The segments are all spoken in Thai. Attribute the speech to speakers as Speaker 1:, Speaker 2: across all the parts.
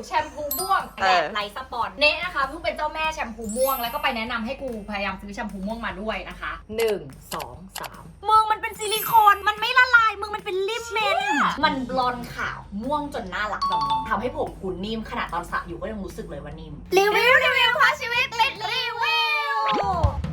Speaker 1: แชมพูม่วงแบบไร้สปอนเนะนะคะเพิ่งเป็นเจ้าแม่แชมพูม่วงแล้วก็ไปแนะนำให้กูพยายามซื้อแชมพูม่วงมาด้วยนะคะ1 2 3
Speaker 2: มึงมันเป็นซิลิโคนมันไม่ละลายมึงมันเป็นลิปเมน
Speaker 3: มันบลอนด์ขาวม่วงจนน่ารักแบบนี้ทำให้ผมกูนิ่มขนาดตอนสระอยู่ก็ยังรู้สึกเลยว่านิ่ม
Speaker 2: รีวิวพาชีวิตลิดรีวิว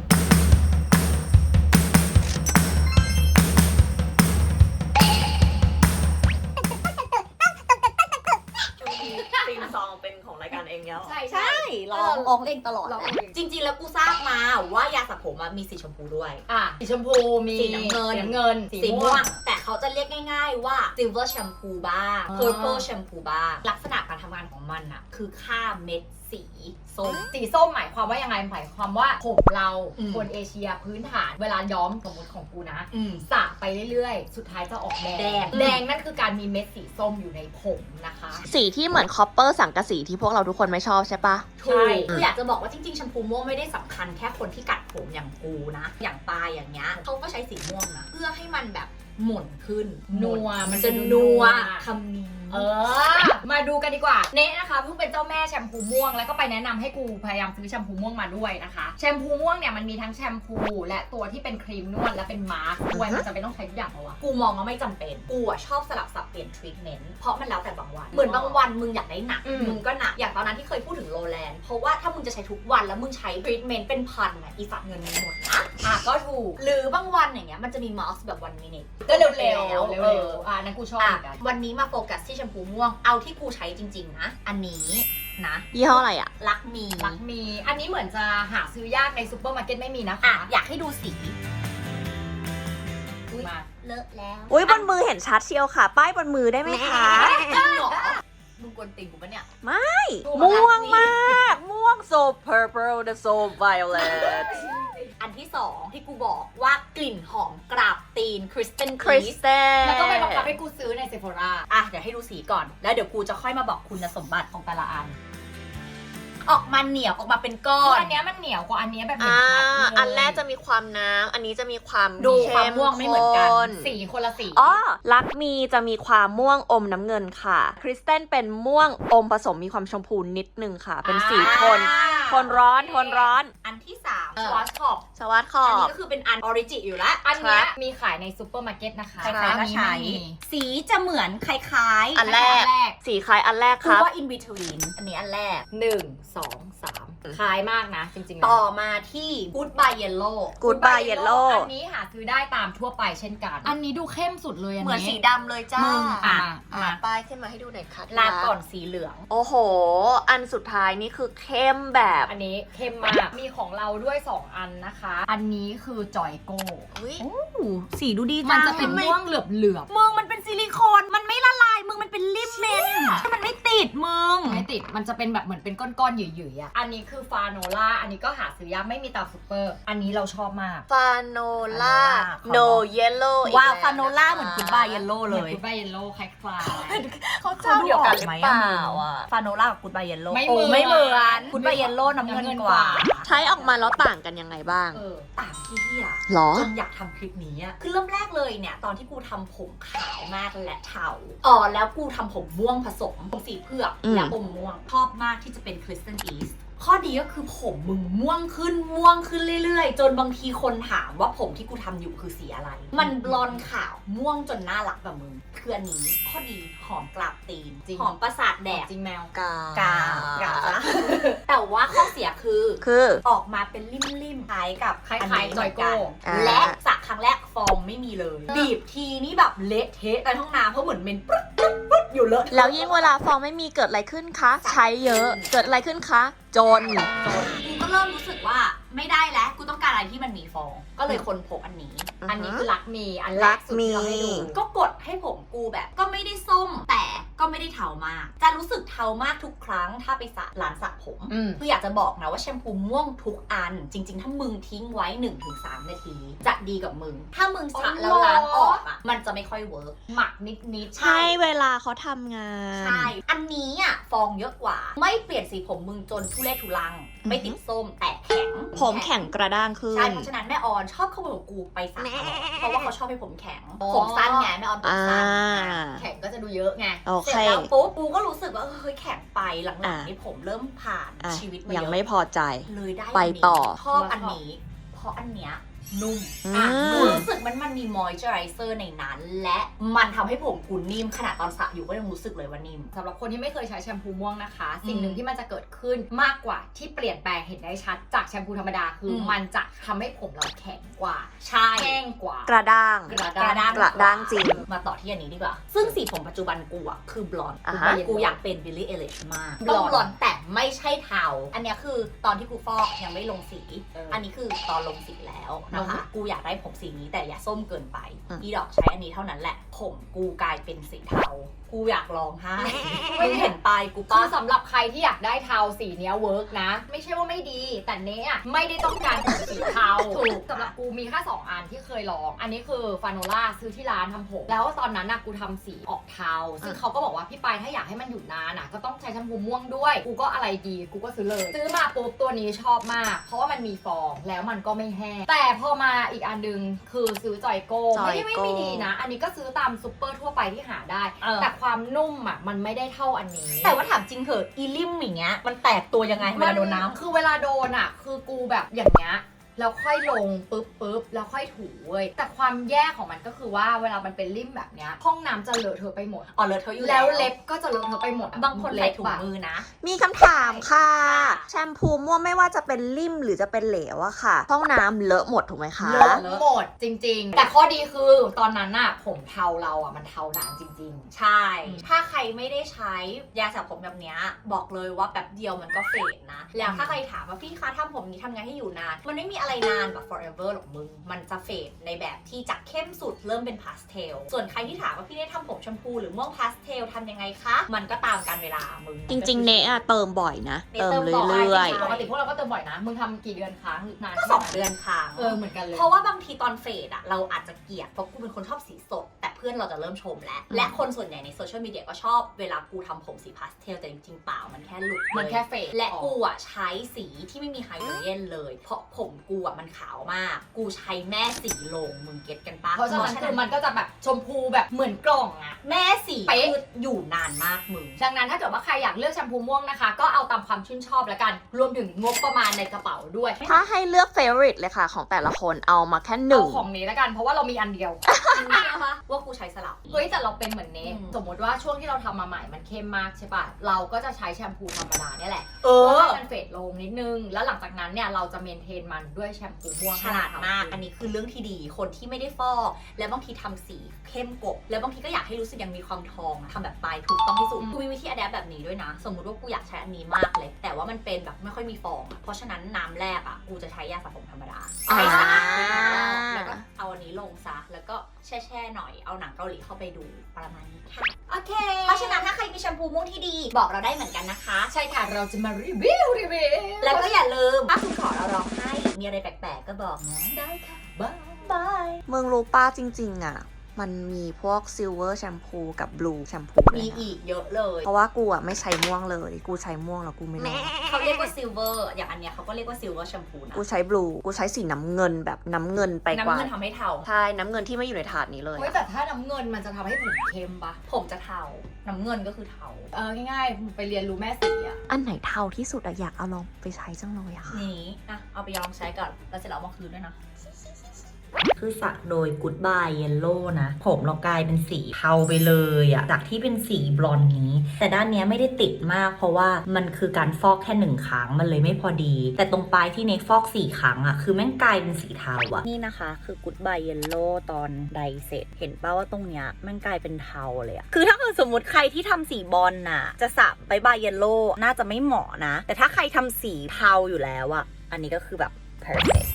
Speaker 4: ตีมซองเป็นของรายการเองแล้ว
Speaker 3: ใช่ร้องเองตลอดจริงๆแล้วกูทราบมาว่ายาสระผมมีสีชมพูด้วย
Speaker 1: สีชมพูมี
Speaker 3: สีน้ำเงินสีม่วงแต่เขาจะเรียกง่ายๆว่า silver shampoo บ้าง purple shampoo บ้างลักษณะการทำงานของมันอะคือค่าเม็ดสีส้ม
Speaker 1: สีส้มหมายความว่ายังไงหมายความว่าผมเราคนเอเชียพื้นฐานเวลาย้อมสมมติของกูนะสระไปเรื่อยๆสุดท้ายจะออกแดงนั่นคือการมีเม็ดสีส้มอยู่ในผมนะคะ
Speaker 2: สีที่เหมือนคอปเปอร์สังกะสีที่พวกเราทุกคนไม่ชอบใช่ปะ
Speaker 3: ใช่คืออยากจะบอกว่าจริงๆแชมพูม่วงไม่ได้สำคัญแค่คนที่กัดผมอย่างกูนะอย่างปลายอย่างเงี้ยเขาก็ใช้สีม่วงนะเพื่อให้มันแบบหม่นขึ้น
Speaker 1: นัว
Speaker 3: มันจะนัวคำนี้
Speaker 1: มาดูกันดีกว่าเนะนะคะเพิ่งเป็นเจ้าแม่แชมพูม่วงแล้วก็ไปแนะนำให้กูพยายามซื้อแชมพูม่วงมาด้วยนะคะแชมพูม่วงเนี่ยมันมีทั้งแชมพูและตัวที่เป็นครีมนวดและเป็นมาสก์ด้วยมันจะเป็นต้องใช้ทุกอย่างเหรอวะ
Speaker 3: กูมองว่าไม่จำเป็นกูชอบสลับสับเปลี่ยนทรีทเมนต์เพราะมันแล้วแต่บางวันเหมือนบางวันมึงอยากได้หนักมึงก็หนักอย่างตอนนั้นที่เคยพูดถึงโรแลนด์เพราะว่าถ้ามึงจะใช้ทุกวันแล้วมึงใช้ทรีทเมนต์เป็นพันอีสัตว์เงินมึงหมดนะก็ถูกหรือบางวันอย่างเงี้ยมันจะมีมาสก์แบบวันมินิ
Speaker 1: ก็เร็วนั่นกูชอบเหมือนกัน
Speaker 3: วันนี้มาโฟกัสที่แชมพูม่วงเอาที่กูใช้จริงๆนะอันนี้นะ
Speaker 2: ยี่ห้ออะไรอะ
Speaker 3: ลักมี
Speaker 1: อันนี้เหมือนจะหาซื้อยากในซุปเปอร์มาร์เก็ตไม่มีนะคะ
Speaker 3: อยากให้ดูสี
Speaker 1: มา
Speaker 3: เลอะแล้ว
Speaker 2: อุ้ยบนมือเห็นชัดเชียวค่ะป้ายบนมือได้ไหมคะ
Speaker 3: มึงกวนติ่งกูปะเนี่ย
Speaker 2: ไม่ม่วงมากม่วง so purple the so violet
Speaker 3: อันที่2ที่กูบอกว่ากลิ่นหอมกราบตีนคริสตัล
Speaker 1: แล้วก็ไปบังคับให้กูซื้อในเซโฟรา
Speaker 3: เดี๋ยวให้ดูสีก่อนแล้วเดี๋ยวกูจะค่อยมาบอกคุณสมบัติของแต่ละอันออกมาเหนียวออกมาเป็นก้อน
Speaker 1: อันนี้มันเหนียวกว่าอันนี้แบบ
Speaker 2: อันแรกจะมีความน้ำอันนี้จะมีความ
Speaker 3: ดูความม่วงไม่เหมือนกัน
Speaker 1: สีคนละสี
Speaker 2: ลักมีจะมีความม่วงอมน้ำเงินค่ะคริสตัลเป็นม่วงอมผสมมีความชมพูนิดนึงค่ะเป็นสีโทนร้อน
Speaker 3: อันที่3สวอตขอบ
Speaker 2: อัน
Speaker 3: นี้ก็คือเป็นอันออริจิอยู่แล้ว
Speaker 1: อันนี้มีขายในซุปเปอร์มาร์เก็ตนะคะ
Speaker 3: ใครๆก็ใช้สีจะเหมือนคล้าย
Speaker 2: ๆอันแรกสีคล้ายอันแรกครับ
Speaker 3: ว่า in between อันนี้อันแรก
Speaker 1: 1 2 3คล้ายมากนะจริง
Speaker 3: ๆต่อมาที่ Goodbye Yellow
Speaker 1: อันนี้หาซื้อได้ตามทั่วไปเช่นกันอันนี้ดูเข้มสุดเลย
Speaker 3: เหมือนสีดำเลยจ้า
Speaker 2: ป้ายขึ้นมาให้ดูหน่อยค่ะ
Speaker 3: ลาก่อนสีเหลือง
Speaker 2: โอ้โหอันสุดท้ายนี่คือเข้มแบบ
Speaker 1: อันนี้เข้มมากมีของเราด้วย2อันนะคะอันนี้คือจอยโก้
Speaker 3: สีดูดี
Speaker 1: มันจะเป็นม่วงเหลือบ
Speaker 3: มึงมันเป็นซิลิโคนมันไม่ละลายมึงมันเป็นลิปเมนมันไม่ติดมึง
Speaker 1: ไม่ติดมันจะเป็นแบบเหมือนเป็นก้อนๆหยุ่ยๆอันนี้คือฟาโนล่าอันนี้ก็หาซื้อยากไม่มีตามซุปเปอร์อันนี้เราชอบมาก
Speaker 2: ฟาโนล่า no yellow
Speaker 3: ว้าวฟาโนล่าเหมือนกูดบายเยลโล่เลย
Speaker 1: กูดบายเยลโล่คล้าย
Speaker 3: ๆเขาเจ้าเดียวกันหรือเปล่าฟาโนล่ากับกูดบายเยลโล่ไม่เหมือนกูดบายเยลโล่น้ำเงินกว่า
Speaker 2: ใช้ออกมาแล้วต่างกันยังไงบ้าง
Speaker 3: ต่างที่จนอยากทำคลิปนี้คือเริ่มแรกเลยเนี่ยตอนที่กูทำผมขาวมากและเทาแล้วกูทำผมม่วงผสมผมสีเผือกและอมม่วงชอบมากที่จะเป็นคริสตัลอีสข้อดีก็คือผมมึงม่วงขึ้นเรื่อยๆจนบางทีคนถามว่าผมที่กูทำอยู่คือสีอะไรมันบลอนด์ขาวม่วงจนน่ารักแบบมึงคืออันนี้ข้อดีหอมกราบตีนหอมประสาทแดก
Speaker 1: จริงแมว
Speaker 3: กาแต่ว่าข้อเสียคือออกมาเป็นริ่มๆคล้ายกับ
Speaker 1: คล้ายจอยโก้
Speaker 3: และสระครั้งแรกฟองไม่มีเลยบีบทีนี่แบบเละเทะในห้องน้ำเพราะเหมือนเมนปึ๊ดอยู่เลอะ
Speaker 2: แล้วยิ่งเวลาฟองไม่มีเกิดอะไรขึ้นคะใช้เยอะเกิดอะไรขึ้นคะจน
Speaker 3: กูก็เริ่มรู้สึกว่าไม่ได้แล้วกูต้องการอะไรที่มันมีฟองก็เลยค้นพบอันนี้
Speaker 1: คือลักมีอันแรกสุดที่เราให้ดู
Speaker 3: ก็กดให้ผมกูแบบก็ไม่ได้ส้มแต่ก็ไม่ได้เทามากจะรู้สึกเทามากทุกครั้งถ้าไปสระร้านสระผมคืออยากจะบอกนะว่าแชมพูม่วงทุกอันจริงๆถ้ามึงทิ้งไว้ 1-3 นาทีจะดีกับมึงถ้ามึงสระแล้วล้างออกมันจะไม่ค่อยเวิร์ก
Speaker 1: หมักนิด
Speaker 2: ใช่เวลาเขาทำงาน
Speaker 3: ใช่อันนี้ฟองเยอะกว่าไม่เปลี่ยนสีผมมึงจนทุเรศทุลังไม่ติดส้มแต่แข็ง
Speaker 2: ผมแข็งกระด้างขึ้น
Speaker 3: ใช่เพราะฉะนั้นแม่ออนชอบขโมยกูไปสระเพราะว่าเขาชอบให้ผมแข็งผมสั้นไงแม่ออนผมสั้น
Speaker 1: แข็งก็จะดูเยอะไงเ
Speaker 3: สเสร็จแล้วปุ๊บกูก็รู้สึกว่าเฮ้ยแข็งไปหลังๆนี่ผมเริ่มผ่านชีวิตมาเยอะ
Speaker 2: ยังไม่พอใจ
Speaker 3: เลยได้
Speaker 2: ไปต่อ
Speaker 3: ชอบอันนี้เพราะอันเนี้ยนุ่มรู้สึกมันมีมอยเจอไรเซอร์ในนั้นและมันทำให้ผมกูนิ่มขนาดตอนสระอยู่ก็ยังรู้สึกเลยว่านิ่ม
Speaker 1: สำหรับคนที่ไม่เคยใช้แชมพูม่วงนะคะ สิ่งหนึ่งที่มันจะเกิดขึ้นมากกว่าที่เปลี่ยนแปลงเห็นได้ชัดจากแชมพูธรรมดาคือมันจะทำให้ผมเราแข็งกว่า
Speaker 3: ใช่
Speaker 1: แห้งกว่าก
Speaker 2: ระด้าง
Speaker 1: กระด้าง
Speaker 2: กระด้างจริง
Speaker 3: มาต่อที่อันนี้ดีกว่าซึ่งสีผมปัจจุบันกูอะคือบลอนด์
Speaker 2: อ่าฮะ
Speaker 3: กูอยากเป็นบิลลี่เอลิชมากต้องบลอนด์แต่ไม่ใช่เทาอันเนี้ยคือตอนที่กูฟอกยังไม่ลงสีอันนี้คือตอนลงสีแล้วนะคะกูอยากได้ผมสีนี้แต่อย่าส้มเกินไปอีดอกใช้อันนี้เท่านั้นแหละผมกูกลายเป็นสีเทากูอยากลองให้มึงเห็นปลายกู
Speaker 1: คื
Speaker 3: ป้า
Speaker 1: อสำหรับใครที่อยากได้เทาสีเนี้ยเวิร์กนะ ไม่ใช่ว่าไม่ดีแต่เนี้ยไม่ได้ต้องการผมสีเทา
Speaker 3: ถูก
Speaker 1: สำหรับกูมีแค่2อันที่เคยลอง อันนี้คือฟาโนล่าซื้อที่ร้านทำผมแล้วตอนนั้นน่ะกูทำสีออกเทาซึ่งเขาก็บอกว่าพี่ปายถ้าอยากให้มันอยู่นานน่ะก็ต้องใช้แชมพูม่วงด้วยกูก็อะไรดีกูก็ซื้อเลยซื้อมาปุ๊บตัวนี้ชอบมาก เพราะว่ามันมีฟองแล้วมันก็ไม่แห้งแต่พอมาอีกอันนึงคือซื้อจอยโก้ไม่ดีนะ อันนี้ก็ซื้อตามซุปเปอร์ทั่วไปที่หาได้แต่ความนุ่มอ่ะมันไม่ได้เท่าอันนี้
Speaker 3: แต่ว่าถามจริงเถอะอีลิมอย่างเงี้ยมันแตกตัวยังไงเวลาโดนน้ำ
Speaker 1: คือเวลาโดนอ่ะคือกูแบบอย่างเงี้ยแล้วค่อยลงปุ๊บแล้วค่อยถูเว้ยแต่ความแย่ของมันก็คือว่าเวลามันเป็นริ่มแบบเนี้ยห้องน้ำจะเลอะเทอะไปหมด
Speaker 3: อ๋อเลอะเทอะอยู่
Speaker 1: แล้วเล็บก็จะเลอะเทอะไปหมด
Speaker 3: บางคนใส่ถุงมือนะ
Speaker 2: มีคำถามค่ะ แชมพูม่วงไม่ว่าจะเป็นลิ่มหรือจะเป็นเหลวอะค่ะ ห้องน้ำเลอะหมดถูกไหมคะ
Speaker 1: เลอะหมดจริงๆ แต่ข้อดีคือตอนนั้นน่ะผมเทาเราอ่ะมันเทานานจริง
Speaker 3: ใช่ ถ้าใครไม่ได้ใช้ยาสระผมแบบเนี้ยบอกเลยว่าแป๊บเดียวมันก็เฟดนะ แล้วถ้าใครถามว่าพี่คะทำผมนี้ทำไงให้อยู่นาน มันไม่มีอะไรนานแบบ forever หรอกมึง มันจะเฟดในแบบที่จากเข้มสุดเริ่มเป็นพาสเทล ส่วนใครที่ถามว่าพี่ได้ทำผมชมพูหรือม่วงพาสเทลทำยังไงคะ มันก็ตามกาลเวลามึง
Speaker 2: จริงๆ เนะอะเติมบ่อยนะ
Speaker 3: เน
Speaker 2: เติม
Speaker 3: เติมบ่อย
Speaker 2: เรื่อย
Speaker 1: ๆ ปกติพวกเราก็เติมบ่อยนะ มึงทำกี่เดือนครั้งนาน
Speaker 3: ก็
Speaker 1: แค่ไหน
Speaker 3: 2 เดือนค่ะ
Speaker 1: เหมือนกันเลย
Speaker 3: เพราะว่าบางทีตอนเฟดอะเราอาจจะเกลียดเพราะกูเป็นคนชอบสีสด แต่เพื่อนเราจะเริ่มชมแล้ว และคนส่วนใหญ่ในโซเชียลมีเดียก็ชอบเวลากูทำผมสีพาสเทลแต่จริงๆเปล่ามันแค่หลุด
Speaker 1: มันแค่เฟด
Speaker 3: และกูอะใช้สีที่ไม่มีไฮโดรเจนเลย เพราะผมกูอะมันขาวมาก กูใช้แม่สีลงมึงเก็ตกันปะ
Speaker 1: เพราะฉะนั้นคือมันก็จะแบบชมพูแบบเหมือนกล่องอะ
Speaker 3: แม่สี
Speaker 1: เป๊ะ
Speaker 3: คืออยู่นานมากมึง
Speaker 1: ดังนั้นถ้าเกิดว่าใครอยากเลือกแชมพูม่วงนะคะ ก็เอาตามความชื่นชอบแล้วกัน รวมถึงงบประมาณในกระเป๋าด้วย
Speaker 2: ๆ ถ้าให้เลือกเฟ v o r i t e เลยค่ะ ของแต่ละคนเอามาแค่หนึ่
Speaker 1: เอา
Speaker 2: ง
Speaker 1: ของนี้แล้วกันเพราะว่าเรามีอันเดียว
Speaker 3: มึงเชื่อปะว่ากูใช้สลับ
Speaker 1: เฮ้ยแต่เราเป็นเหมือนเนส
Speaker 3: อืม
Speaker 1: สมมติว่าช่วงที่เราทำมาใหม่มันเข้มมากใช่ปะเราก็จะใช้แชมพูธรรมดาเนี่ยแหละ
Speaker 3: เอ
Speaker 1: เพื่อ
Speaker 3: อ
Speaker 1: ให้มันเฟดลงนิดนึง แล้วหลังจากนั้นเนี่ยเราจะเมนเทนมันด้วยแชมพูม่วง
Speaker 3: ฉลาดมาก อันนี้คือเรื่องที่ดี คนที่ไม่ได้ฟอก แล้วบางทีทำสีเข้มกบ แล้วบางทีก็อยากให้รู้สึกยังมีความทองอะทำแบบปลายถูกต้องที่สุด กูมีวิธีอะแดปแบบนี้ด้วยนะ สมมุติว่ากูอยากใช้อันนี้มากเลย แต่ว่ามันเป็นแบบไม่ค่อยมีฟองอะเพราะฉะนั้นน้ำแรกอะกูจะใช้ยาสระผมธรรมดา
Speaker 2: อ่า
Speaker 3: ให้สะอาดขึ้นรอบแล้วก็เอาอันนี้ลงซะ แล้วก็แช่ๆหน่อย เอาหนังเกาหลีเข้าไปดูประมาณนี้ค่ะ
Speaker 1: โอเค
Speaker 3: เพราะฉะนั้นถ้าใครมีแชมพูม่วงที่ดี บอกเราได้เหมือนกันนะคะ
Speaker 1: ใช่ค่ะเราจะมารีวิว
Speaker 3: แล้วก็อย่าลืม ถ้าคุณขอเราร้องให้ มีอะไรแปลกๆก็บอกนะ
Speaker 1: ได้ค่ะบ๊าย
Speaker 3: บาย
Speaker 2: มึงรู้ป้าจริงๆอะมันมีพวกซิลเวอร์แชมพูกับบลูแชมพู
Speaker 3: มีอีกเยอะเลย
Speaker 2: เพราะว่ากูอะไม่ใช้ม่วงเลย กูใช้ม่วงแล้วกูไม่รอด
Speaker 3: เขาเรียกว่าซิลเวอร์ อย่างอันเนี้ยเขาก็เรียกว่าซิลเวอร์แชมพูนะ
Speaker 2: กูใช้บลูกูใช้สีน้ำเงินแบบน้ำเงินไปก
Speaker 3: น้ำ
Speaker 2: ว่า
Speaker 3: เงินทำให้เทา
Speaker 2: ใช่น้ำเงินที่ไม่อยู่ในถาดนี้เลย
Speaker 1: เฮ้ยแต่ถ้าน้ำเงินมันจะทำให้ผมเข้มปะ
Speaker 3: ผมจะเทา น้ำเงินก็คือเทา
Speaker 1: ง่ายๆไปเรียนรู้แม่สีอะ
Speaker 2: อันไหนเทาที่สุดอะอยากเอาลองไปใช้จังเลยอะค่ะ
Speaker 3: นี้นะเอาไปลองใช้ก่อน แล้วเสร็จแล้วเอามาคืนด้วยนะ คือสักโดย Goodbye Yellow นะ ผมเรากลายเป็นสีเทาไปเลยอะจากที่เป็นสีบลอนด์นี้ แต่ด้านเนี้ยไม่ได้ติดมากเพราะว่ามันคือการฟอกแค่1 ครั้งมันเลยไม่พอดี แต่ตรงปลายที่เนฟอก4 ครั้งอะคือแม่งกลายเป็นสีเทาอะนี่นะคะคือ Goodbye Yellow ตอนไดเสร็จ เห็นป่าว่าตรงเนี้ยแม่งกลายเป็นเทาเลยอะคือถ้าเกิดสมมติใครที่ทำสีบอลน่ะจะสระBye Yellow น่าจะไม่เหมาะนะ แต่ถ้าใครทำสีเทาอยู่แล้วอะอันนี้ก็คือแบบ perfect